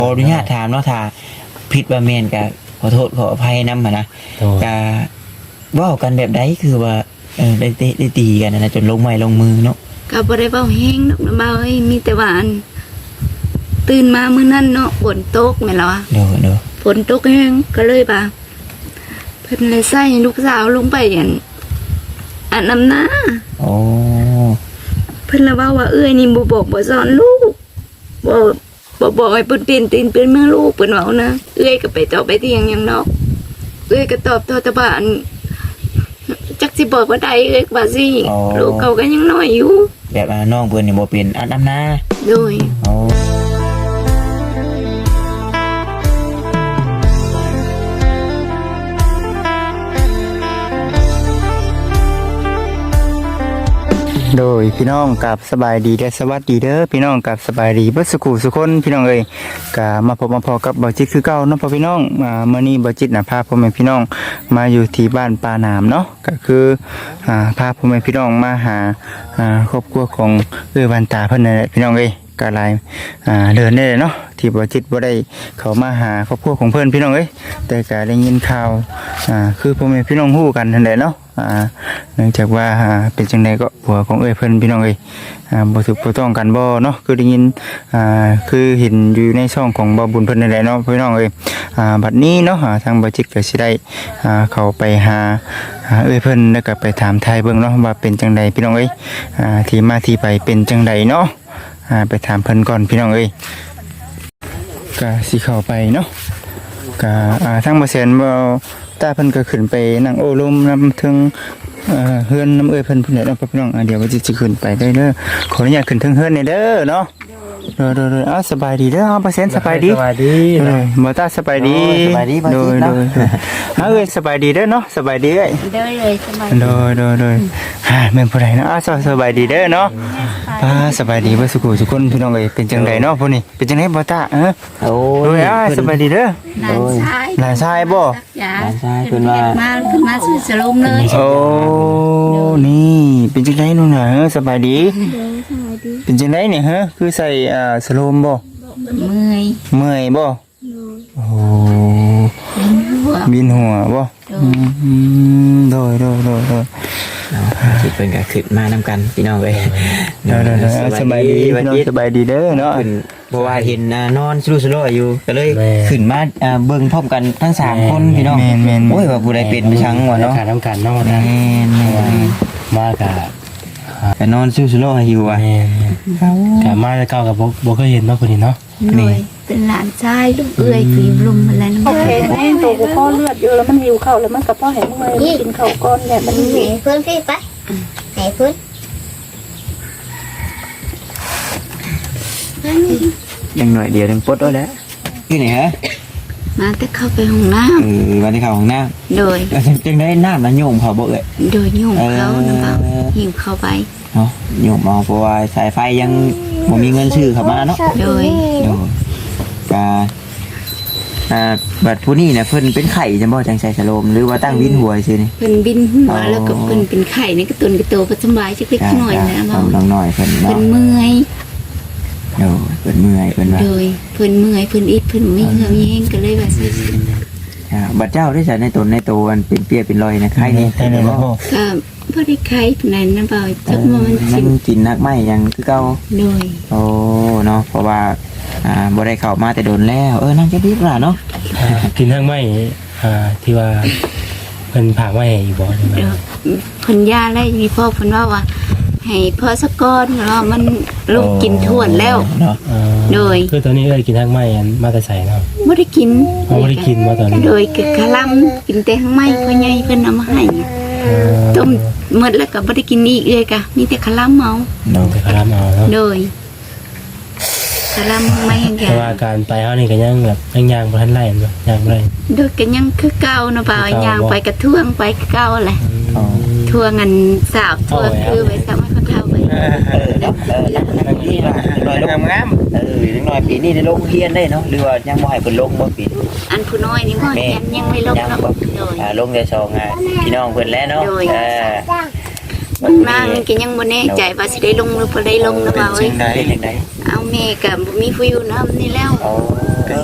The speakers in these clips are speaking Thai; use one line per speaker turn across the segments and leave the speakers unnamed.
ขออนุญาตถามเนาะถ้าผิดว่าแม่นก็ขอโทษขออภัยนำนะก็เว้ากันแบบใดคือว่าได้เตะได้ตีกันนะจนลงไม้ลงมือเนาะ
ก็บ่ได้เว้าแฮงดอกนะบ่าวเอ้ยมีแต่ว่าตื่นมามื้อนั้นเนาะฝนตกแม่นล่ะ
เด้อ
ฝนตกแฮงก็เลยว่าเพิ่นเลยใส่ลูกสาวลงไปอันน้ำหน้า
อ๋อ
เพิ่นละว่าเอ้ยนี่บ่บอกบ่สอนลูกบอกให้เพิ่นเป็นเมืองลูกเพิ่นเว้านะเอ้ยก็ไปตอบไปเที่ยงหยังเนาะเอ้ยก็ตอบโทษแต่ว่าจักสิบอกว่าใดเอ้ยว่าสิลูกเขาก็ยังน้อยอยู่
แบบน้องเพิ่นนี่บ่เป็นอันน้ำหน้า
โดย
อ๋อโดยพี่น้องกับสบายดีและสวัสดีเด้อพี่น้องกับสบายดีเบิดสุขุสุคนพี่น้องเอ้ยก็มาพบมาพอกับบ่จิตคือเก่าเนาะพ่อพี่น้องมื้อนี้บ่จิตน่ะพาพ่อแม่พี่น้องมาอยู่ที่บ้านปาหนามเนาะก็คือพาพ่อแม่พี่น้องมาหาครอบครัวของวันตาเพิ่นนั่นแหละพี่น้องเอ้ยก็หลายเดือนได้เนาะที่บ่จิตบ่ได้เข้ามาหาครอบครัวของเพิ่นพี่น้องเอ้ยแต่ก็ได้ยินข่าวคือพ่อแม่พี่น้องฮู้กันนั่นแหละเนาะเนื่องจากว่าเป็นจังไดก็ผัวของเพิ่นพี่น้องบ่ถูกบ่ต้องกันบ่เนาะคือได้ยินคือเห็นอยู่ในช่องของบ่บุญเพิ่นนั่นแหละเนาะพี่น้องบัดนี้เนาะทางบ่จิตก็สิได้เข้าไปหาเพิ่นแล้วก็ไปถามไทยเบิ่งเนาะว่าเป็นจังไดพี่น้องที่มาที่ไปเป็นจังไดเนาะไปถามเพิ่นก่อนพี่น้องก็สิเข้าไปเนาะก็ทางบ่แสนบ่ตาเพิ่นก็ขึ้นไปนั่งโอ้ลมนำถึงเฮือนน้ำเพิ่นเนาะพี่น้องเดี๋ยวว่าจะขึ้นไปได้เด้อขออนุญาตขึ้นถึงเฮือนนี่เด้อเนาะโดยสบายดีเด้อบ่แสนสบายดีบ่ตาสบายดีโดยสบายดีเด้อเนาะสบายดีเลย
สบายโดย
แม่นผู้ใดเนาะสบายดีเด้อเนาะสบายดีเบ่สุขสุคนพี่น้องเป็นจังไดเนาะพุ่นนี่เป็นจังไดบ่ตาโอ้ยสบายดีเด้อหลานชายบ่หลานชายเพิ่นว่า
มาซื้อสลมเลย
โอ้นี่เป็นจังไดนู่นน่ะสบายดีเป็นจังไดเนี่ยฮะคือใส่สโลมบ่
เมื่
อยบ่โอ้บินหัวบ่โดยสิเพิ่นก็ขึ้นมานำกันพี่น้องเอ้ยสบายดีสบายดีเด้อเนาะเพราะว่าเห็นนอนสลุๆอยู่ก็เลยขึ้นมาเบิ่งพร้อมกันทั้ง3คนพี่น้องโอ้ยว่าผู้ใดเป็นไปชังว่าเนาะ
นำกันเนาะมา
ก็นอนสลุๆอยู่ว่ะ
ก็มาแล้วก็บ่เคยเห็นเนาะคนนี้เนาะ
นี่เป็นหลานชายลูกเอ้ยฝีลมอะไรนั่นโอเคแม่ตัวกูพ่อเลือดเยอะแล้วมันหิวข้าวแล้วมันกับพ่อเห็นเมื่อยกินข้าวก้อนเนี่ยมันหิว
เพื่อนพี่ไปไหนเพื่อน
ยังหน่อยเดียวถึงปดแล้วที่ไหนฮะ
มาแต่เข้าไปห้องน้
ำมาที่เข้าห้องน้
ำโดย
จึงได้น้ำนะโยมเขาบ่
โดยโยมเขานะเปล่าหิวเข้าไป
เนาะโยมเอาเพราะว่าสายไฟยังบ่มีเงินซื้อเข้ามาเนาะ
โดย
บัดผู้นี้เนี่ยเพิ่นเป็นไข่จังบ่จังใส่สโลมหรือว่าตั้งวินหัวซื่อนี่
เพิ่นบินหัวแล้วก็เพิ่นเป็นไข่นี่ก็ตุนกระโตก็สบายจักเล็กน้อยนะเ
บาน้อยเพิ่น
เพิ่นเมื่อย
เพิ่นเมื่อยเพิ่นว่า
โดยเพิ่นเมื่อยเพิ่นอิดเพิ่นมีเหือมีแห้งก็เลยว่าซื่อ
บัดเจ้าได้ใส่ในตนอันเป็นเปียเป็นรอยนะไข่นี่
ไข่นี่บ่
ก็บ่ได้ไข่นั่นนะบ่จัก
มันกินนักไม้ยังคือเก่า
โดย
โอ้เนาะเพราะว่าบ่ได้เข้ามาแต่โดนแล้วนั่งจะดีกว่าเนาะ
กินทั้งไม้ที่ว่าเพิ่นผ่าไม้อยู่บ่ใช่มั้ย
เพิ่นย่าแล้วมีพ่อเพิ่นว่าให้พ่อสักก้อนแล้วมันลูกกินทั่วแล้ว
เนาะ
โดย
คือตอนนี้กินทั้งไม้มาแต่ใส่เนาะ
บ่ได้กิน
บ่ได้กินมาตอนนี้
โดยกะกะลำกินแต่ทั้งไม้พ่อใหญ่เพิ่นเอามาให้ต้มหมดแล้วก็บ่ได้กินอีกเลยกะมีแต่กะลำเอา
แต่กะลำเอาเนาะ
โดยกะลำไม่อย่าง
แต่ว่าการไปเฮานี่ก็ยังแบบย่างบ่ทันไล่บ่ย่างบ่ได้
โดยก็ยังคือเก่าเนาะบ่าวย่างไปกระท่วงไปเก่าแหละทั่วงันสาวทั่วคือไปซ้ำให้เขาเท่าไป
นี่ล่ะน้อยลงงามน้อยปีนี้ได้ลงเรียนได้เนาะหรือว่ายังบ่ให้เพิ่นลงบ่ปี
อันผู้น้อยนี่บ่ยังไม่ลงเนาะโดย
ลงได้2พี่น้องเพิ่นแล้วเนาะ
นางก็ยังบ่แน่ใจว่าสิได้ลงหรือบ่ได้ลงนะบ่าวเอ้ยเอาแม่ก็บ่มีผู้อยู่นำนี่แล้ว
ก็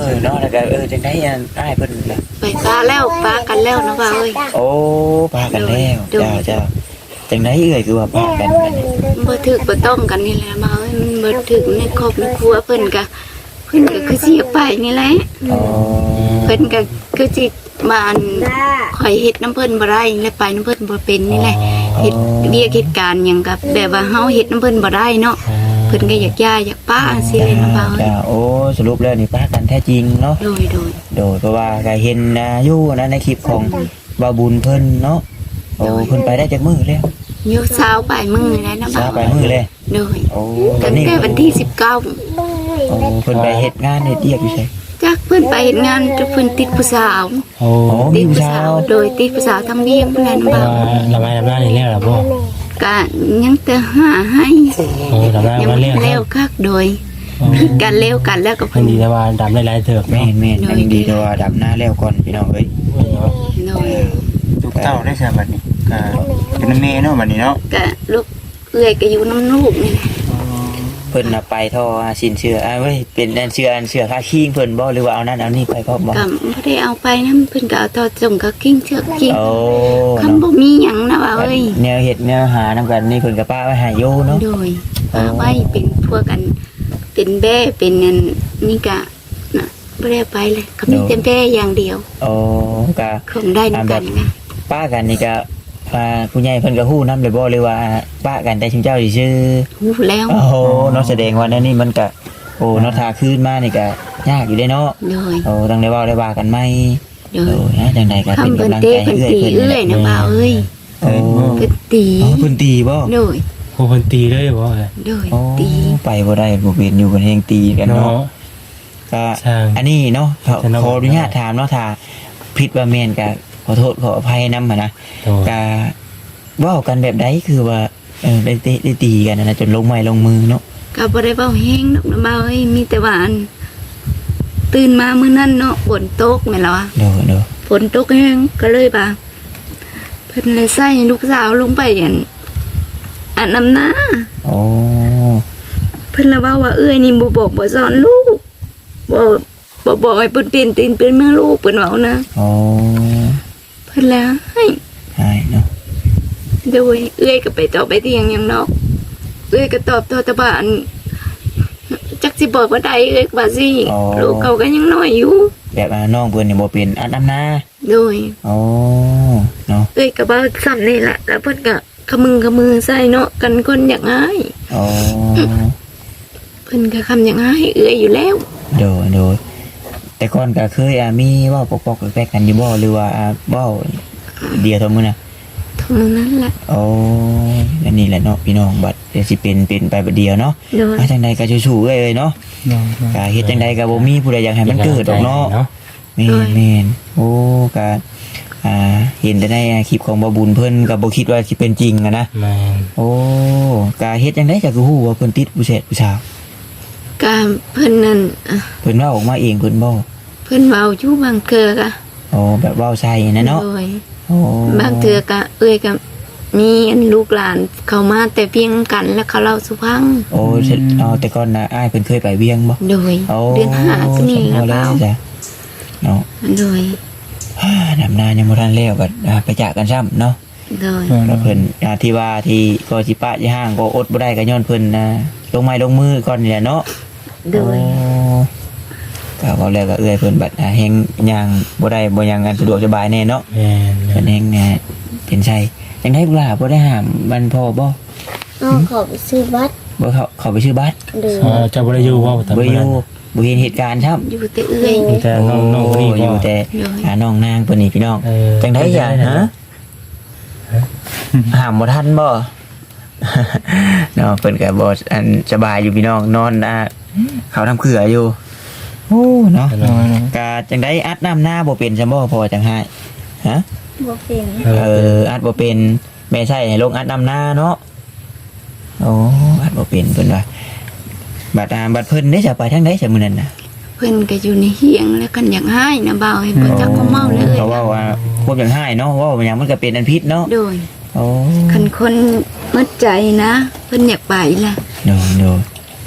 แล้วก็จังได๋อ้ายเพิ่นล่ะ
ไปป้าแล้วป้ากันแล้วนะบ่าวเอ้ย
โอ้ปากันแล้วเจ้าจังได๋คือว่าปากันบัดนี้
บ่ถึกบ่ต้องกันนี่แหละบ่าวเอ้ยมันบ่ถึกในครอบในครัวเพิ่นก็คือสิไปนี่แหละ
อ๋อ
เพิ่นก็คือสิมาอันข่อยเฮ็ดน้ำเพิ่นบ่ได้และไปน้ำเพิ่นบ่เป็นนี่แหละเฮ็ดเรียกเหตุการณ์หยังกับแบบว่าเฮาเฮ็ดน้ำเพิ่นบ่ได้เนาะเพิ่นก็อยากย้ายอยากป้าสิเลยนะบ่าวเอ้ย
จ้าโอ้สรุปแล้วนี่ปากันแท้จริงเนาะ
โดย
เพราะว่าก็เห็นอยู่นะในคลิปของบาบุญเพิ่นเนาะโอ้เพิ่นไปได้จากมื้อแล้ว
อยู่เช้าไปมื้อแล้วนะ
ซา
บ่าว
ไปมื้อเลย
โดย
โอ้ตอ
ตั้
น
ง
นี้
แต่วันที่19
โอ้เพิ่นไปเฮ็ดงานเฮ็ดเวียกอยู่ไส
จักเพิ่นไปเฮ็ดงานจนเพิ่นติดผู้สาว
โอ้
โอ้มีผู้สาว
โดยติดผู้สาวทำเวียงเพิ่นแหละนะบ่าว
ละไม้ลำหน้านี่แล้วล่ะบ่
ก็ยังแต่หาให้
โอ้ลำหน้า
ยัง
มา
บ่
เลี้ยง
เร็วคักโดยผิดกันเร็วกันแล้วก็
เพิ่นดีแต่ว่าดำได้หลายเถิบ
แม่
เนาะ
นแม่นอันนี้ดีแต่ว่าดับหน้าแล้วก่อนพี่น้องเอ้ย
โดย
ลูกเต้าได้ใช่บัดนี้ก็เป็นแม่เนาะบัดนี้เนาะ
ก็ลูกเอื้อยก็อยู่น้ำลูกนี่แหละ
เพิ่นน่ะไปท่อสินเชื่อเว้ยเป็นอันเชื่อค่าคิงเพิ่นบ่หรือว่าเอานั่นเอานี่ไปพร้อมบ่
ก็บ่ได้เอาไปนำเพิ่นก็เอาต่อส่งก็กิ้งเชือกกิ้ง
โอ้
คำบ่มีหยังนะว่าเอ้ย
แนวเฮ็ดแนวหานำกันนี่เพิ่นก็ป้าไว้ให้อยู่เนาะ
โดยเอาไว้เป็นพวกกันเป็นแบ่เป็นนั่นนี่ก็น่ะบ่ได้ไปเลยก็มีแต่แบ่อย่างเดียว
โอ้ก็
คงได้นำกันนะ
ป้ากันนี่ก็ผู้ใหญ่เพิ่นก็ฮู้นำเลยบ่หรือว่าป้ากันแต่ชุมเจ้าสิชื่อ
หูแล้ว
โอ้โหเนาะแสดงว่านั่นนี่มันก็โอ้เนาะถ้าคืนมานี่ก็ยากอยู่เด้เนาะ
โดย
โอ้ต้องได้เว้าได้ว่ากันไหม
โด
โอ้
ย
นะจังใดก็เป็น
คำเพิ่น
กำลัง
เตะ
ใจให้
เพิ่น
เอื้อย
ตี
เพิ่น
เอื้อย
นี่
นะ
แหละ
บ่าวเอ้ย
โอ้
เพิ่นตี
อ๋อเพิ่นตีบ่
โดย
โอ้เพิ่นตีเลยบ่เอ้ย
โดย
โอ้
ตี
ไปบ่ได้บ่เป็นอยู่กันแฮงตีกัน
เนาะ
เนาะก็
ช่าง
อันนี้เนาะขอ
แต่น้อง
ขออนุญาตถามเนาะถ้าผิดว่าแม่นก็ขอโทษขออภัยนำนะ
โดย
ก็เว้ากันแบบใดคือว่าได้เตะได้ตีกันนะจนลงไม้ลงมือเนาะ
ก็บ่ได้เว้าแฮงดอกนะบ่าวเอ้ยมีแต่ว่าอันตื่นมามื้อนั้นเนาะฝนตกแม่นล่ะ
เด้อเด้อ
ฝนตกแห้งก็เลยว่าเพิ่นเลยใส่ลูกสาวลงไปอันน้ำหน้า
โอ้
เพิ่นละว่าเอ้ยนี่บ่บอกบ่สอนลูกบ่บอกให้เพิ่นเป็นเมืองลูกเพิ่นเว้านะ
โอ้
เพิ่นละให้
ใช่เนาะ
โดยเอ้ยก็ไปต่อไปเตียงยังนอกเอ้ยก็ตอบตะบานจักสิบอกว่าใดเอ้ยว่าสิลูกเขาก็ยังน้อยอยู่
แบบน้องเพิ่นนี่บ่เป็นอันน้ำนา
โดย
โอ้เนาะ
เอ้ยก็บ่ซ้ำนี่แหละแล้วเพิ่นก็ขมือใส่เนาะกันคนอยากหาย
โอ้
เพิ่นก็คำอย่างหายเอ้ยอยู่แล้ว
โดยโดยแต่ก่อนก็เคยมีเว้าปอกๆแปลกๆกันอยู่บ่หรือว่าเว้าเดียวเท่ามื้อน่ะ
เท่านั้นแหละ
โอ้อันนี้แหละเนาะพี่น้องบัดเดี๋ยวสิเป็นไปบัดเดียวเนาะ
โดย
จังใดก็สู้ๆเอ้ยเนาะก็เฮ็ดจังใดก็บ่มีผู้ใดอยากให้มันเกิดดอกเนาะแม่นๆโอ้ก็เห็นแต่ในคลิปของบ่บุญเพิ่นก็บ่คิดว่าสิเป็นจริงอะนะ
แม่น
โอ้ก็เฮ็ดจังได๋ก็คือฮู้ว่าเพิ่นติดผู้เสพผู้สาว
ก็เพิ่นนั่น
เพิ่นเว้าออกมาเองเพิ่นบ่
เพิ่นเว้าอยู่บางเทื่อก็
โอ้แบบเว้าใส่นะเนาะ
โดย
โอ้
บางเทื่อก็เอ้ยก็มีอันลูกหลานเข้ามาแต่เพียงกันแล้วเขาเล่าสุพัง
โอ้แต่ก่อนน่ะอ้ายเพิ่นเคยไปเวียงบ่
โดย
โอ้
เดือน5ก็นี่แล้ว
แล้
เปล่าว
จ้ะเนาะ
โดย
นำนายังบ่ทันแล้วก็ไปจากกันซ้ำเนาะ
โดย
แล้วเพิ่นที่ว่าที่ก็สิปะสิห้างก็อดบ่ได้ก็ย้อนเพิ่นลงไม้ลงมือก่อนนี่แหละเนาะ
โดย
ก็เว้าแล้วก็เอื้อยเพิ่นบัดแฮงย่างบ่ได้บ่ย่างกันสะดวกสบายแน่เนาะ
แม่น
เพิ่นแฮงเป็นไสจังได๋ลูกหลานบ่ได้ห้ามมันพอบ่
น้องขอไปซื้อบัตร
บ่เขาไปซื้อบัตร
เดือ
เจ้าบ่ได้อยู่บ่ตอน
บ่
นั้น
อยู่บ่เห็นเหตุการณ์ครับ
อยู่แต่เอ้ย
มีแต่น้องคนนี้
อ
บ่
ยู่แต่น้องนางเพิ่นนี่พี่น้อง
เออ
จังได๋จ้ะฮะห้ามบ่ทันบ่ เนาะเพิ่นก็บ่อันสบายอยู่พี่น้องนอนเขาทำเขืออยู่โอ้เนาะก็จังได๋อัดน้ำหน้าบ่เป็นซะบ่พอจังไห้ฮะ
บ่เป็น
อัดบ่เป็นแม่ใช่ให้ลงอัดน้ำหน้าเนาะโอ้อัดบ่เป็นเพิ่นว่าบัดเพิ่นได้จะไปทางใดซะมื้อนั้นน่ะ
เพิ่นก็อยู่ในเฮียงแล้วกันอยากหายนะบ่าวให้เพิ่นจักก็เมาเลย
เพราะว่าพวกอย่างให้เนาะว่าอย่างมันก็เป็นอันพิษเนาะ
โดย
โอ้
คันคนมัดใจนะเพิ่นอยากไปล่ะ
โน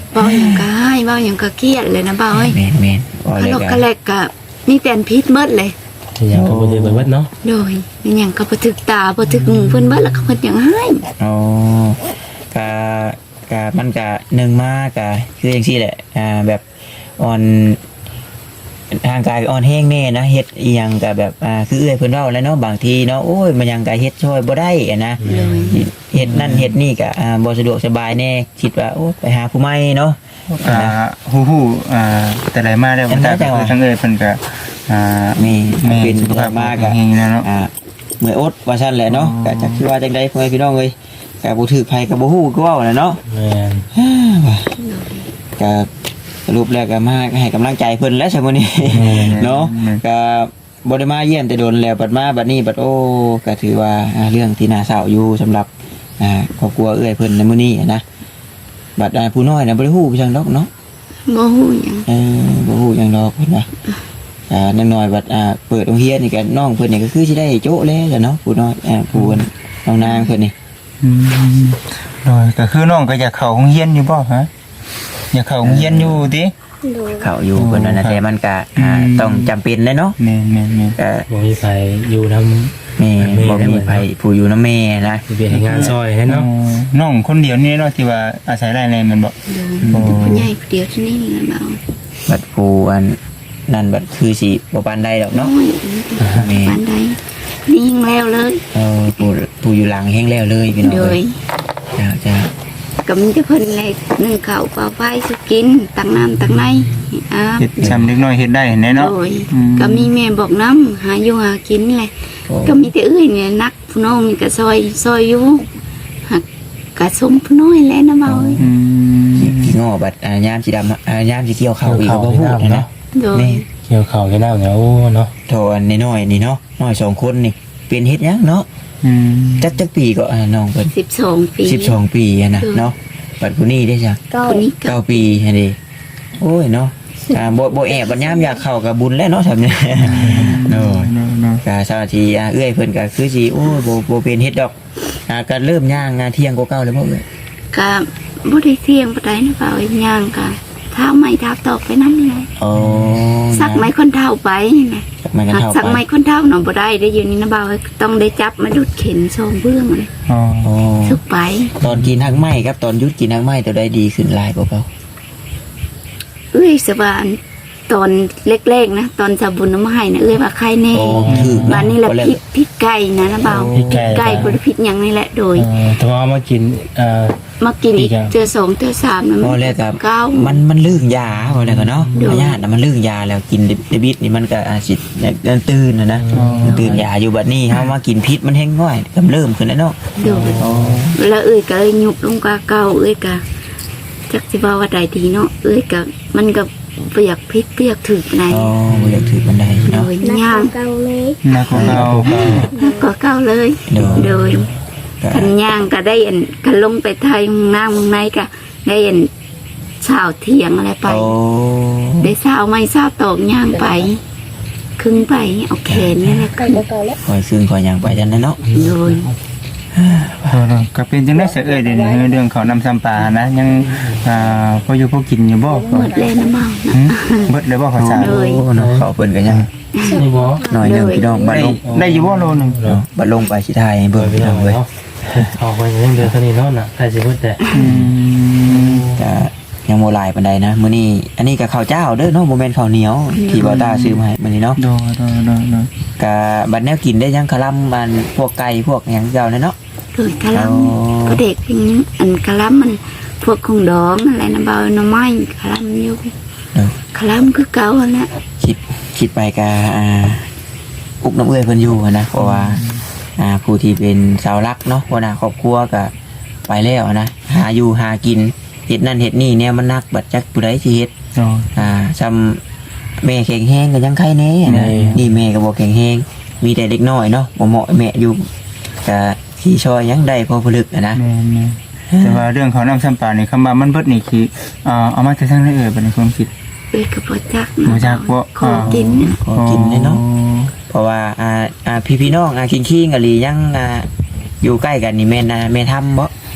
เว้าหยังก็ให้เว้าหยังก็เครียดเลยนะเบาเอ้ย
แม่นแม่นว่า
พะ
เลย
โลก
ก็
กะแลกก็มีแต่อันพิษหมดเลย
อย่างก็บ่ได้เบิดเนาะ
โดยมีหยังก็บ่ถึกตาบ่ถึกหูเพิ่นเบิดแล้วก็เพิ่นหยังให้
อ๋อก็มันก็หนึ่งมากก็คือจังซี่แหละแบบอ่อนทางกายอ่อนแห้งแน่นะเฮ็ดอีหยังก็แบบคือเอื้อยเพิ่นเว้าแล้วเนาะบางทีเนาะโอ้ยมันยังก็เฮ็ดช่วยบ่ได้อะนะ
โดย
เฮ็ดนั่นเฮ็ดนี่ก็บ่สะดวกสบายแน่คิดว่าโอ้ไปหาผู้ใหม่เนาะ
ฮู้แต่ไหนมาแล้วมันก็คือทั้งเอ้ยเพิ่นก็
นี่
เป็น
สุขภาพมากอะ
แห่งแล้วเนาะ
เมื่อยอดว่าซั่นแหละเนาะก็จักคือว่าจังได๋พ่อแม่พี่น้องเอ้ยก็บ่ถือไผก็บ่ฮู้ก็เว้าแหละเนาะ
แม่น
ก็สรุปแล้วก็มาให้กำลังใจเพิ่นแล้วซั่นมื้อนี้ เนาะก็บ่ได้มาเยี่ยมแต่โดนแล้วบัดมาบัดนี้บัดโอ้ก็ถือว่าเรื่องที่น่าเศร้าอยู่สำหรับครอบครัวเอื้อยเพิ่นในมื้อนี้นะบัดผู้น้อยน่ะบ่ได้ฮู้จังดอกเนาะ
บ่ฮู้หยัง
บ่ฮู้จังดอกเพิ่นว่านางน้อยบัดเปิดโรงเรียนนี่ก็น้องเพิ่นนี่ก็คือสิได้โจ๊ะแล้วล่ะเนาะผู้น้อยผู้น้องนางเพิ่นนี่
โดยก็คือน้องก็อยากเข้าโรงเรียนอยู่บ่ฮะอยากเข้าโรงเรียนอยู่ติ
โดย
เข้าอยู่เพิ่นว่านะแต่มันก็ต้องจำเป็นเลยเนาะ
แม่น
ก็
บ่มีไผอยู่นำ
แม่บ่มีไผผู้อยู่นำแม่นะ
สิไปเฮ็ดงานซอยแน่เนาะ
น้องคนเดียวนี่เนาะที่ว่าอาศัยรายแรงมันบ่
โดยผู้ใหญ่ผู้เดียวที่นี่นะเบา
บัดผู้นั่นบัดคือสิบ่ปานใดดอก
น้อ
เนาะ
ยปานใดนี่ยิงแล้วเลย
ผู้อยู่หลังแห้งแล้วเลยพี่น้อง
โด
เอ้
ย
ยจ้า
ก็มีแต่เพิ่นเลยนึ่งข้าวเปล่าไฟสุกินตักน้ำตักในอาบ
เฮ็ดซ้ำเล็กน้อยเฮ็ดได้แน่เนาะ
โดยก็มีแม่บอกน้ำหาอยู่หากินแหละก็มีแต่เอ้ยเนี่ยนักผู้น้องมีก็ซอยอยู่หักก็สมผู้น้อยแล้วนะเบาเอ้ย
พี่ง้อบัดยามสิดำยามสิเกี่ยวข้าวอีกก็บ่พูดนะ
โดย
แม่
เกี่ยวข้าวกันน้ำเนี่ยโอ้เนาะ
โทอันน้อยๆนี่เนาะน้อย2คนนี่เป็นเฮ็ดหยังเนาะจักปีก็น้องเพิ่น
12 ปี
12 ปีอะนะเนาะบัดผู้นี้ได้จ้ะ
เก้า
คนนี้ก็
9 ปีหั่นดิโอ้ยเนาะบ่แอบบัดยามอยากเข้ากับบุญแล้วเนาะซั่นเนี่ยเนาะก็สวัสดีเอื้อยเพิ่นก็คือสิโอ้ยบ่เป็นเฮ็ดดอกก็เริ่มย่างเที่ยงกว่าเก่าแล้วบ่เอ้ย
ก็บ่ได้เสี่ยงปานใดนะเบาเอ้ยย่างก็เท้าไม้เท้าตอกไปนำเลย
อ๋อ
สักไม้คนเท่าไปนี่นะ
สักไม้กันเท่า
สัก
ไป
ไม้คนเท่าหนอบ่ได้ได้อยู่นี่นะเบาเอ้ยต้องได้จับมาดุดเข็นซองเบื้องเลย
อ๋อ
อ๋อ
สุกไป
ตอนกินทั้งไม้ครับตอนหยุดกินทั้งไม้ตัวใดดีขึ้นหลายกว่าเก่า
เอ้ยสบานตอนเล็กๆนะตอนจะบุญน้ำมาให้นะเอ้ยว่าใครแน่
โอ้ถือ
บ้านนี้แหละ
บ่
พิษไก่นะเบา
พริกไก่
ไก่บ่ได้พิษหยังนี่แหละโดย
แต่ว่าเอามากิน
มากินอีก
อีกอ่ะ
เจอ2เจอ3นะ
พอแล้วกับ
เก้า
มันลื่นยาพอแล้วก็เนาะ
โดย
พยาธิน่ะมันลื่นยาแล้วกินเดบิดนี่มันก็อาจสิตื่นนะตื่นยาอยู่บัดนี้เฮามากินพิษมันแห้งง่อยกำเริ่มขึ้นแล้วเนาะ
โดยแล้วเอ้ยก็เลยยุบลงกว่าเก่าเอ้ยก็จักสิว่าว่าใดดีเนาะเอ้ยก็มันก็เปียกพิษเปียกถึกใน
อ๋อบ่อยากถือบันได
โด
เนาะ
ย
นัก
ย่าง
เก้าเลย
นักของเรา
ก็เก่าเลย
โดย
โดยคันย่างก็ได้อันคันลงไปไทยมึงหน้ามึงในก็ได้อันเช้าเที่ยงอะไรไป
โอ้
ได้เช้าไม่เช้าตอกย่างไปครึ่งไปเอาแขนนี่แหละ
เก้า
ขึ้น
เก้าแล้ว
คอยซึ่งคอยย่างไปจังนั้นเนาะ
โดย
ก็เป็นจังได๋เสียเอ้ยเดี๋ยวนี้เรื่องเขาวนำซ้ำปลานะยังพออยู่พอกินอยู่บ่
หมดเลยนะเมานะ
เบิดเลยบ่ข้าวสาร
เลย
โอ้เนาะเขาเพิ่นก็ยัง
นี่บ่
หน่อยหนึงพี่น้องบัด
ได้
ลง
ได้อยู่บ่โลนึง
บัดลงไปสิทายให้
เบิ่
เบิ่
ง
ง
พี่
พี่
น้
น้
อ
อง ง
เล
เว้
ย
ย
ออกไปยังเดือนเท่านี้เนาะน่ะใครสิพูดแต่
ก็ยังบ่หลายปานใดนะมื้อนี้อันนี้ก็ข้าวเจ้าเด้อเนาะบ่แม่นข้าวเหนียวที่บ่าวตาซื้อมาให้มื้อนี้เนาะ
โด
ก็บัดแนวกินได้ยังคลำมันพวกไก่พวกหยังเจ้าเนี่ยเนาะ
โดยกะลำก็เด็กอย่างนี้อันกะลำมันพวกของดองอะไรนะเบาหน่อไม้กะลำอยู่กะลำคือเก่าแล้ว
คิดไปก็อุกน้ำเอื้อยเพิ่นอยู่หั้นนะเพราะว่าผู้ที่เป็นเสาหลักเนาะหัวหน้าครอบครัวก็ไปแล้วนะหาอยู่หากินเฮ็ดนั่นเฮ็ดนี่เนี่ยมันนักบัดจักผู้ใดสิเฮ็ดซ้ำแม่แข็งแรงก็ยังไข้แน่นะนี่แม่ก็บ่แข็งแรงมีแต่เด็กน้อยเนาะบ่เหมาะแม่อยู่ก็ที่ช่วยยังได้พอผลึกนะ
แม่แต่ว่าเรื่องเขาวนำซ้ำปลานี่คำว่ามันเบิดนี่คือเอามาจากทางไหนเอ่ยบัดนี้ความคิด
เอ้ยกับบ่จัก
บ่จักบ่
ขอกินนะ
ขอกินเลยเนาะเพราะว่าพี่น้องคิงๆกะหลียังอยู่ใกล้กันนี่แม่นแม่ทำบ่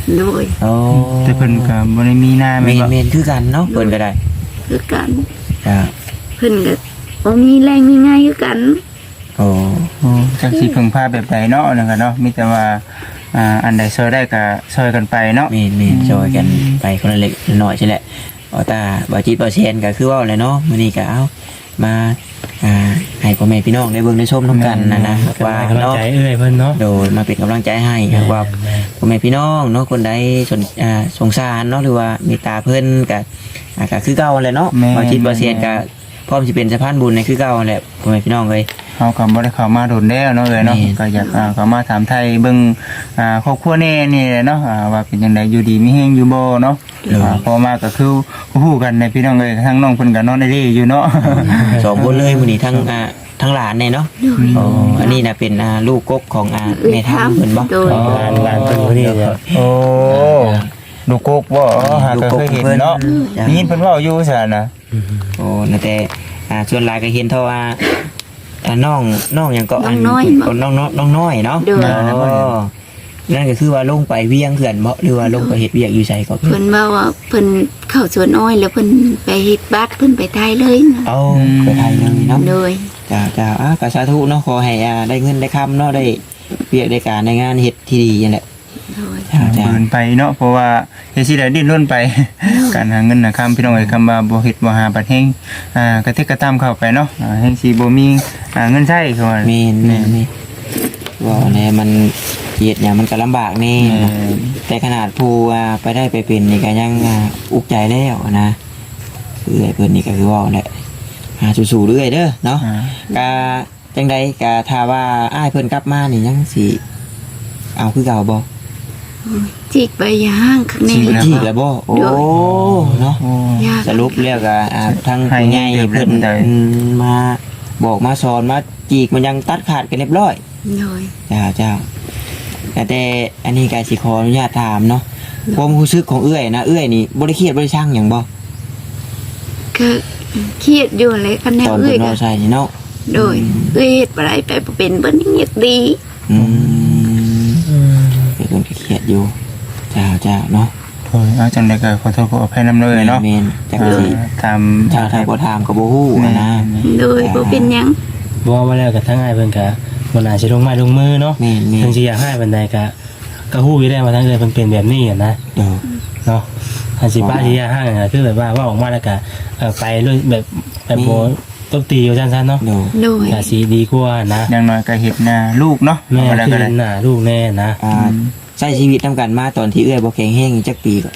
โดย
โอ้
แต่เพิ่นก็บ่ได้มีหน้า
เม
แม่น
น
บ่
เมนคือกันเนาะเพิ่นก็ได้
คือกัน
จ้า
เพิ่นก็บ่มีแรงมีง่ายคือกัน
โอ้
โอ้จักสิพึ่งพาแบบใดเนาะนั่นก็เนาะมีแต่ว่าอันใดช่วยได้ก็ช่วยกันไปเนาะ
เมนช่วยกันไปคนละเล็กละน้อยใช่แหละเอาตาบ่จิตบ่เชนก็คือเว้าแหละเนาะมื้อนี้ก็เอามาให้พ่อแม่พี่น้องได้เบิ่งได้ชมนํกันนะว่า
กำลัง
เนาะ
ใจเอ้ยเพิ่นเนาะ
โดยมาเป็นกำลังใจให้ว่าพ่อแม่พี่น้องเนาะคนใดสงสารเนาะหรือว่าเมตตาเพิ่นก็คือเก่าแหละเนาะบ่จิตบ่เชนก็พร้อมสิเป็นสะพานบุญในคือเก่าแหละพ่อแม่พี่น้องเอ้ย
เฮาก็บ่ได้เข้ามาโดนแล้วเนาะเลยเนาะ
แม่น
ก็อยากเข้ามาถามไทยเบิ่งครอบครัวแน่นี่แหละเนาะว่าเป็นจังไดอยู่ดีมีแฮงอยู่บ่เนาะพอมาก็คือฮู้กันในพี่น้องเอ้ยทั้งน้องเพิ่นก็นอนได้ดีอยู่เนาะ
สองคนเลยมื้อนี้ทั้งหลานเนี่ยเนาะอ๋ออันนี้น่ะเป็นลูกกกของแม่ทัพเพิ่นบ่
โดย
หลานเพิ่นคนนี้เนี่ย
โอ้ลูกกกบ่หาก็เคยเห็นเนาะได้ยินเพิ่นเว้าอยู่ซั่นน่ะ
โอ้นั่นแต่ส่วนหลายก็เห็นเท่าว่าน้องหยังก็
น้องน้อย
น้องน้อยเนาะ
โดย
อ๋อนั่นก็คือว่าลงไปเวียงเขื่อนบ่หรือว่าลงไปเฮ็ดเวียกอยู่ไสก็
เพิ่นว่าเพิ่นเข้าสวนอ้อยแล้วเพิ่นไปเฮ็ดบัตรเพิ่นไปไทยเลยนะ
เอาไปไทยเลยเนาะ
โดย
จ้าก็สาธุเนาะขอให้ได้เงินได้คำเนาะได้เวียกได้การได้งานเฮ็ดที่ดีนั่นแหละ
โดย
จ้า
เดินไปเนาะเพราะว่าเฮ็ดสิได้ดิ้นรนไป การหาเงินหาคำพี่น้องเอ้ยคำว่าบ่เฮ็ดบ่หาบัดแฮงกระเทกกระตามเข้าไปเนาะแฮงสิบ่มีเงินใช้คือว่า
แม่นว่าแน่มันเฮ็ดหยังมันก็ลำบากแน่แต่ขนาดผู้ไปได้ไปเป็นนี่ก็ยังอุกใจแล้วนะคือไอ้เพิ่นนี่ก็คือว่าแหละสู้ๆเรื่อยเด้อเนาะก็จังใดก็ถ้าว่าอ้ายเพิ่นกลับมานี่ยังสิเอาคือเก่าบ่
จิกไปย่างข้างใน
จีกแล้วบ่โอ้เนาะ
โอ้
ยาก
สรุปแล้วก็ทั้งผู้ใหญ่เพิ่นมาบอกมาสอนมาจีกมันยังตัดขาดกันเรียบร้อย
โดย
เจ้าแต่อันนี้ก็สิขออนุญาตถามเนาะความรู้สึกของเอื้อยนะเอื้อยนี่บ่ได้เครียดบ่ได้ช่างหยังบ่
ก็เครียดอยู่เลยคะแนน
ตอน
เอ้
เพิ่
ย
น
ก็
เว้าใส่นี่เนาะ
โดยเอ้ยเฮ็ดอะไรไปบ่เป็นเบิ่นเงียบดี
อืมเพิ่นก็เครียดอยู่เจ้าเนาะ
โอ้ยเอาจังได๋ก็ขอโทษขออภัยนำเลยเนาะ
แม่นจักสิ
ตาม
ชาวไทยบ่ถามก็บ่ฮู้นะ
โดยบ่เป็นหยัง
บอกมาแล้วกับทั้งอ้ายเพิ่นก็บ่น่าสิลงไม้ลงมือเนาะ
แม่น
เพิ่นสิอยากให้บันไดก็ฮู้อยู่ได้ว่าทั้งเอ้ยเพิ่นเป็นแบบนี้อะนะ
เดี๋ยว
เนาะอันสิป้าที่ยาห้างอะคือแบบว่าออกมาแล้วก็ไปด้วยแบบโบตบตีอยู่ซั่นๆเนาะ
เดี๋ยว
โดย
ก็สิดีกว่านะ
อย่างน้อยก็เฮ็ดหน้าลูกเนาะ
แม่
เอาไว้
คือ
ก็ได้
หน้าลูกแน่นะ
ใช้ชีวิตนำกันมาตอนที่เอื้อยบ่แข็งแรงจักปีก็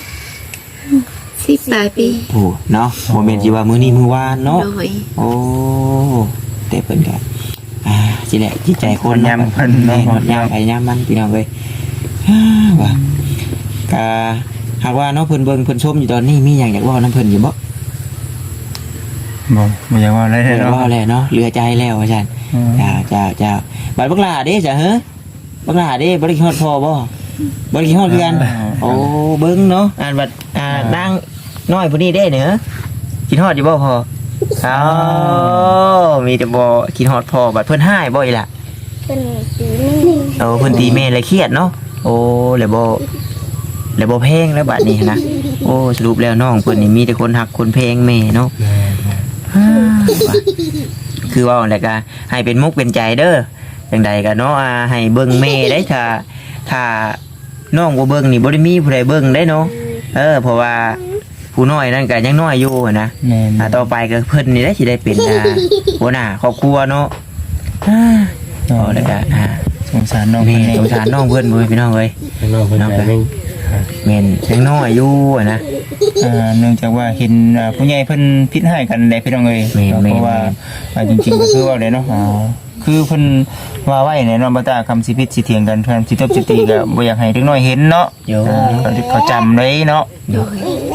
10ปลายปี
โอ้เนาะโมเมนต์ที่ว่ามื้อนี้มื้อวานเนาะ
โดย
โอ้แต่เพิ่นก็สิแหละจิตใจคน
ยามเพิ่น
แม่
เนาะ
หดยามไปยามมันพี่น้องเอ้ยว่าก็หากว่าเนาะเพิ่นเบิ่งเพิ่นชมอยู่ตอนนี้มีหยังอยากเว้านำเพิ่นอยู่บ่
บ่อยากว่าอะไร
เพิ่น
เนาะ
เว้าแล้วเนาะเหลือใจแล้วว่าซั่นจ้าบัดบักหลาเด้จ้ะเฮ้อบักหลาเด้บ่ได้คิดฮอดพ่อบ่บ่ได้คิดฮอดคือกันโอ้เบิ่งเนาะบัดนางน้อยผู้นี้เด้เด้อคิดฮอดอยู่บ่พ่ออ้าวมีแต่บ่คิดฮอดพ่อบัดเพิ่นหายบ่อีหล่ะ
เป็นสีนี่
โอ้เพิ่นตีแม่เลยเครียดเนาะโอ้แล้วบ่เพลงแล้วบัดนี้นะโอ้สรุปแล้วน้องเพิ่นนี่มีแต่คนฮักคนเพลงแม่เนาะ
แม่
ว่าคือว่าแล้วก็ให้เป็นมุกเป็นใจเด้อจังใดก็เนาะให้เบิ่งแม่ได้ถ้าน้องบ่เบิ่งนี่บ่ได้มีผู้ใดเบิ่งได้เนาะเพราะว่าผู้น้อยนั่นก็ยังน้อยอยู่นะ
แม่น
ต่อไปก็เพิ่นนี่ได้สิได้เป็นหัวหน้าครอบครัวเนาะแล้วก็
สงสารน้อง
แม่
เพิ่น
สงสารน้องเพิ่นเว้ยพี่น้องเอ้ย
น้องเพิ่นก็ยัง
แม่นยังน้อยอยู่นะ
เนื่องจากว่าเห็นผู้ใหญ่เพิ่นพิษให้กันได้พี่น้องเอ้ย
แม่น
เพราะว่าจริงๆก็คือว่าได้เนาะคือเพิ่นว่าไว้ในเนาะบ่ตาคำสิพิษสิเถียงกันคำสิตบสิตีก็บ่อยากให้เด็กน้อยเห็นเนาะ
โย
เขาจำเลยเนาะ
โดย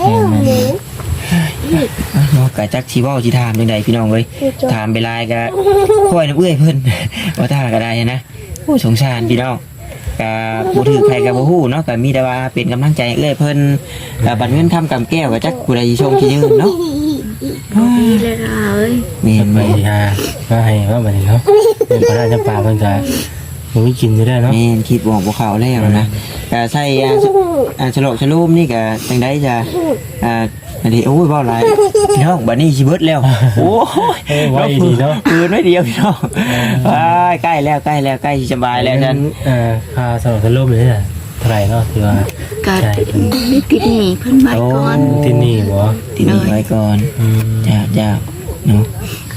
เนาะก็จักสิเว้าสิถามจังไดพี่น้องเอ้ยถามไปหลายก็ค่อยน้ำเอื้อยเพิ่น ว่าถ้าก็ได้นะโอ้สงสารพี่น้องก็บ่ถือใครก็บ่ฮู้เนาะก็มีแต่ว่าเป็นกำลังใจให้เอื้อยเพิ่นบัดเงินคำกำแก้วก็จักผู้ใดสิชมสิยืนเนาะ
ดีเลยค่ะเอ้ย
แม่น
ไป
แม่น
มาให้ว่าบัดนี้เนาะเพิ่นก็น่าจะปาเพิ่นก็ผมมีกินอยู่ได้เนาะ
แม่นคิดบอกบ่เข้าแล้วนะก็ใส่ฉลอกฉลูมนี่ก็จังได๋จะอันนี้โอ้ยเว้าหลายพี่น้องบัดนี้สิเบิดแล้วโอ้ย
ไว้ดีเนาะ
คืนไว้เดียวพี่น้องว้ายใกล้แล้วใกล้สิสบายแล้วฉัน
ค่าสำหรับทะลุเลยน่ะเท่าไหร่เนาะที่ว่า
ก็
ใช่
ได้ติดหนี้เพิ่นไว้ก่อน
ที่นี่บ่
ทีนี้ไว้ก่อน จ้าเนาะ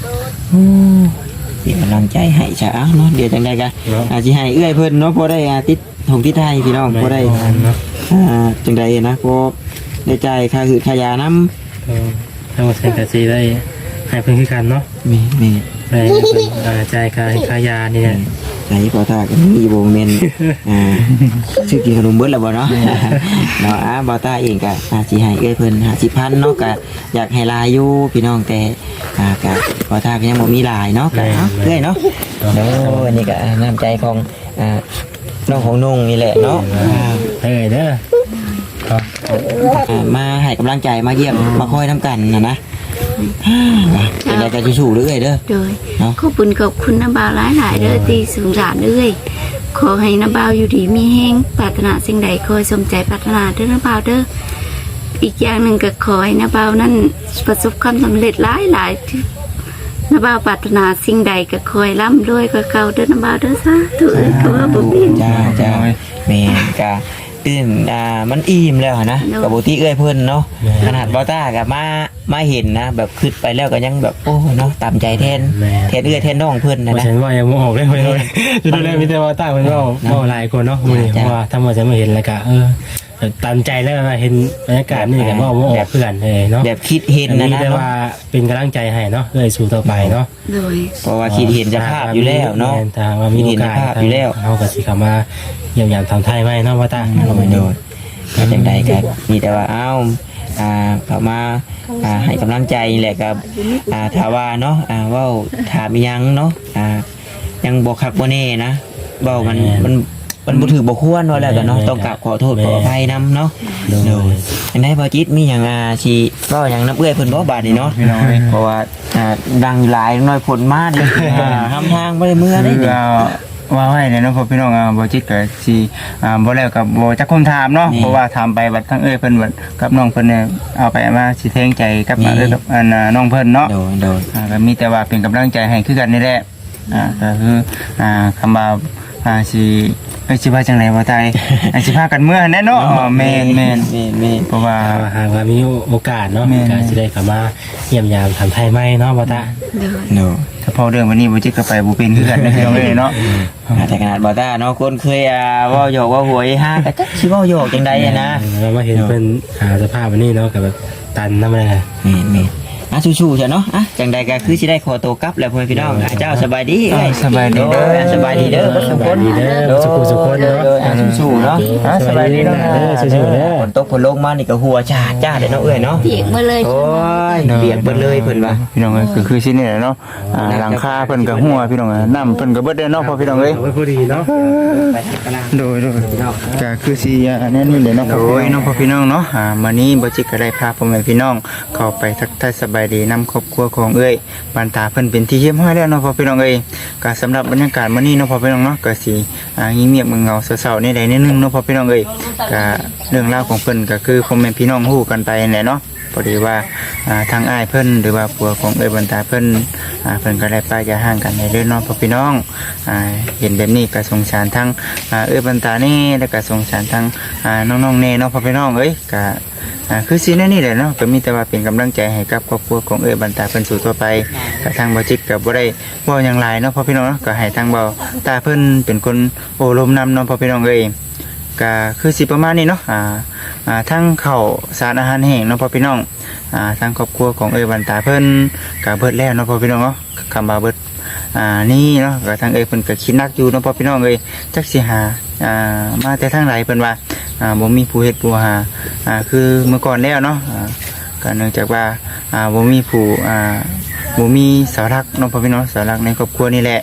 เป็นกำลังใจให้จ้าเนาะเดี๋ยวจังใดกันอาจจะให้เอื้อยเพิ่นเนาะพอได้ติดถงที่ไทยพี่น้องพอได้
เนาะ
จังใดนะพอได้ใจายค่าคือขายาน้
ทั้งหมดเซ็นกะซีได้ให้เพิ่นคือกันเนาะ
ำมี
ได้จ่ายค่ายานี่แหละ
ไหนพอท่ากันมีโบเมนชื่อกินขนมเบิดแล้วบ่เนาะเนาะบอต้าเองก็อาจสิให้เอื้อยเพิ่น50,000เนาะก็อยากให้ลายอยู่พี่น้องแต่ก็บอต้าก็ยังบ่มีลายเนาะก็เอื้อยเนาะ เนาะอันนี้ก็น้ำใจของน้องของนุ่งนี่แหละเนาะ
เอ้ยเด้อครับ
มาให้กำลังใจมาเยี่ยมมาคอยทำกันนะเป็นอะไรกันชู้ๆเรื่อยเด้อ
โดย
เนาะ
ขอบคุณน้าบ่าวหลายๆเด้อที่สงสารเอ้ยขอให้น้าบ่าวอยู่ดีมีแห้งปรารถนาสิ่งใดขอให้สมใจปรารถนาเด้อน้าบ่าวเด้ออีกอย่างหนึ่งก็ขอให้น้าบ่าวนั้นประสบความสำเร็จหลายๆที่น้าบ่าวปรารถนาสิ่งใดก็ขอให้ร่ำรวยกว่าเก่าเด้อน้าบ่าวเด้อซะถือก็ว่าบ่เป็น
จ้าแม่กะตื่นมันอิ่มแล้วนะกับโบติเอ้ยเพิ่นเนาะขนาดบอต้ากับมาเห็นนะแบบขึ้นไปแล้วก็ยังแบบโอ้เนาะตามใจแทนเอื้อยแทนน้องเพิ่นนะ
ฉันว่ายังบ่ออกเลยจะดูแลมีแต่ว่าตั้งมันว่าหลายคนเนาะมื้อนี้เพราะว่าถ้าว่าจะมาเห็นแล้วก็ตามใจแล้วเห็นบรรยากาศนี่ก็ว่าบ่ออกเพื่อนเลยเนาะ
แบบคิดเห็นนะ
แต่ว่าเป็นกำลังใจให้เนาะสู้ต่อไปเนาะ
โดย
เพราะว่าคิดเห็นจะภาพอยู่แล้วเนาะ
ถ้าว่ามีโอกาสอยู่แล้วเฮาก็สิเข้ามาเยี่ยมยามทางไทยไว้เนาะว่าตา
โดยก็จังใดก็มีแต่ว่าเขามาให้กำลังใจแหละกับถ้าว่าเนาะว่าถามยังเนาะยังบ่คักบ่แน่นะเว้ามันบ่ถือบ่ควรว่าแล้วก็เนาะต้องกราบขอโทษขออภัยนํเนาะโดยอันใดบ่จิตมีหยังสิเว้าหยังนับเอื้อยเพิ่นบ่บาดนี้เนาะเพราะว่าดังหลายน้อยผลมาดิทำทางบ่ได้เมื่อได้ดิ
ว่าให้เลยเนาะพ่อพี่น้องบ่จิตก็สิบ่แล้วก็บ่จักคนถามเนาะเพราะว่าถามไปบัดทั้งเพิ่นบัดกับน้องเพิ่นเนี่ยเอาไปมาสิแทงใจกับกับน้องเพิ่นเนาะ
โดย
ก็มีแต่ว่าเป็นกำลังใจให้คือกันนี่แหละก็คือคำว่าสิสิว่าจังได๋บ่ตายสิพากันเมื่อแน่เนาะแม่นเพราะว่า
หากว่ามีโอกาสเนาะก็สิได้เข้ามาเยี่ยมยามทางไทยใหม่เนาะว่าตา
โดย
โดย
ถ้าพอเรื่องวันนี้บ่จิตก็ไปบ่เป็นคือกันนะพี่น้องเอ้ยเนาะ
แต่ขนาดบอต้าเนาะคนเคยว่าหยอกว่าหวยห้าก็จักสิว่าหยอกจังใดนะ
เรามาเห็นเป็นสภาพวันนี้เนาะกับแบบตันนั่นแหละ
นี่ชูๆจ้ะเนาะจังใดก็คือสิได้ขอตัวกลับแล้วพ่อพี่น้องเจ้าสบายดีเอ้ย
สบายดีเด้อ
สบายดีเด้อทุกคน
เด้อสุขเนาะ
ชูๆเนาะ
สบายดีเนาะ
สู้ๆเด้อ
ฝนตกฝนลงมานี่ก็หัวจ้าเลยเนาะเอ้ยเนาะ
เปียกมาเลย
โอ้ยเปียกเบิดเลยเพิ่นว่า
พี่น้องเอ้ยคือสินี่แหละเนาะหลังคาเพิ่นก็หัวพี่น้องน้ำเพิ่นก็เบิดเด้อเนาะพอพี่น้องเอ้ย
เอาไว้พอดีเนาะ
โดยก็คือสิแน่นี่แหละเนาะโอ้ยน้องพ่อพี่น้องเนาะมื้อนี้บ่จิตก็ได้พาพ่อแม่พี่น้องเข้าไปทักทายสบายดีนำครอบครัวของเอ้ยบ้านตาเพิ่นเป็นที่เรียบร้อยแล้วเนาะพ่อพี่น้องเอ้ยก็สำหรับบรรยากาศมื้อนี้เนาะพ่อพี่น้องเนาะก็สิเงียบๆเงาๆเศร้าๆนี่ได้นิดนึงเนาะพ่อพี่น้องเอ้ยก็เรื่องราวของเพิ่นก็คือพ่อแม่พี่น้องฮู้กันไปนั่นแหละเนาะพอดีว่าทางอ้ายเพิ่นหรือว่าผัวของเอ้ยบ้านตาเพิ่นเพิ่นก็ได้ป้าจะห่างกันในเรื่องเนาะพ่อพี่น้องเห็นแบบนี้ก็สงสารทั้งเอ้ยบ้านตานี่แล้วก็สงสารทั้งน้องๆเน่เนาะพ่อพี่น้องเอ้ยก็คือสิแน่นี่แหละเนาะก็มีแต่ว่าเป็นกำลังใจให้กับครอบครัวของเอ้ยบ้านตาเพิ่นสู่ต่อไปก็ทางบ่จิตก็บ่ได้เว้าหยังหลายเนาะพ่อพี่น้องเนาะก็ให้ทางเบาตาเพิ่นเป็นคนโอ้ลมนำเนาะพ่อพี่น้องเอ้ยก็คือสิประมาณนี้เนาะทั้งข้าวสารอาหารแห้งเนาะพ่อพี่น้องทางครอบครัวของเอ้ยบ้านตาเพิ่นก็เบิดแล้วเนาะพ่อพี่น้องเนาะคำว่าเบิดนี่เนาะก็ทางเอ้ยเพิ่นก็คิดหนักอยู่เนาะพ่อพี่น้องเอ้ยจักสิหามาแต่ทางไหนเพิ่นว่าบ่มีผู้เฮ็ดผู้หาคือเมื่อก่อนแล้วเนาะก็เนื่องจากว่าบ่มีผู้บ่มีเสาหลักเนาะพ่อพี่น้องเสาหลักในครอบครัวนี่แหละ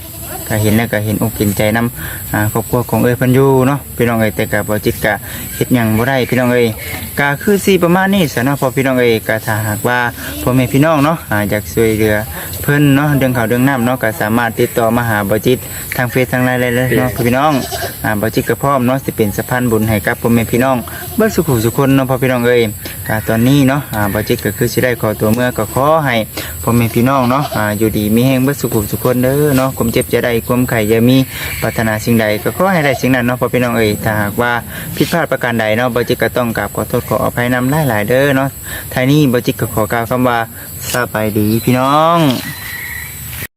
ก็เห็นแล้วก็เห็นอกเห็นใจนำครอบครัวของเอ้ยเพิ่นอยู่เนาะพี่น้องเอ้ยแต่ก็บ่จิตก็เฮ็ดหยังบ่ได้พี่น้องเอ้ยก็คือสิประมาณนี้ซะเนาะพอพี่น้องเอ้ยก็ถ้าหากว่าพ่อแม่พี่น้องเนาะอยากช่วยเหลือเพิ่นเนาะเรื่องข้าวเรื่องน้ำเนาะก็สามารถติดต่อมาหาบ่จิตทางเฟซทางไลน์ได้เลยเนาะพี่น้องบ่จิตก็พร้อมเนาะสิเป็นสะพานบุญให้กับพ่อแม่พี่น้องเบิดสุขสุขคนเนาะพ่อพี่น้องเอ้ยก็ตอนนี้เนาะบ่จิตก็คือสิได้ขอตัวเมื่อก็ขอให้พ่อแม่พี่น้องเนาะอยู่ดีมีแรงเบิดสุขสุขคนเด้อเนาะความเจ็บจะได้ความไข้อย่ามีปรารถนาสิ่งใดก็ขอให้ได้สิ่งนั้นเนาะพ่อพี่น้องเอ้ยถ้าหากว่าผิดพลาดประการใดเนาะบ่จิตก็ต้องกราบขอโทษขออภัยนำหลายๆเด้อเนาะท้ายนี้บ่จิตก็ขอกล่าวคำว่าสบายดีพี่น้อง